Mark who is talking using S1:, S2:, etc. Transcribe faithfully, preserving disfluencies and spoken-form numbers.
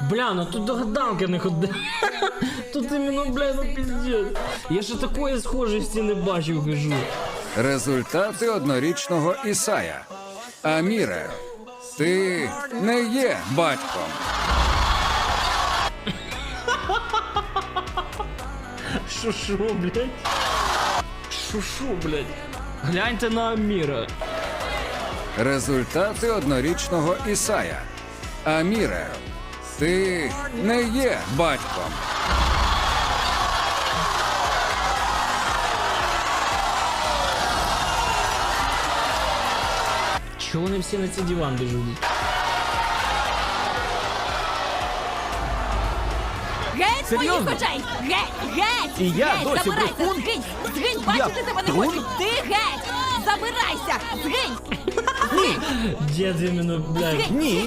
S1: Бля, ну тут догадалки не ходи. Тут іменно, бля, ну пиздец. Я ще такої схожості не бачив, кажу.
S2: Результати однорічного Ісая. Аміре, ти не є батьком.
S1: Шо-шо, блядь? Шо-шо, блядь? Гляньте на Аміра.
S2: Результати однорічного Ісая. Аміре, ти не є батьком.
S1: Чого вони всі на цей диван біжуть?
S3: Геть з моїх
S4: Серйозно?
S3: очей! Геть! Геть!
S4: І я
S3: геть!
S4: досі
S3: Забирайся!
S4: брехун?
S3: Згинь! Згинь! Бачити тебе не
S4: трун?
S3: хочу! Ти геть! Забирайся! Згинь!
S1: Дід іменно, блядь.
S4: Ні.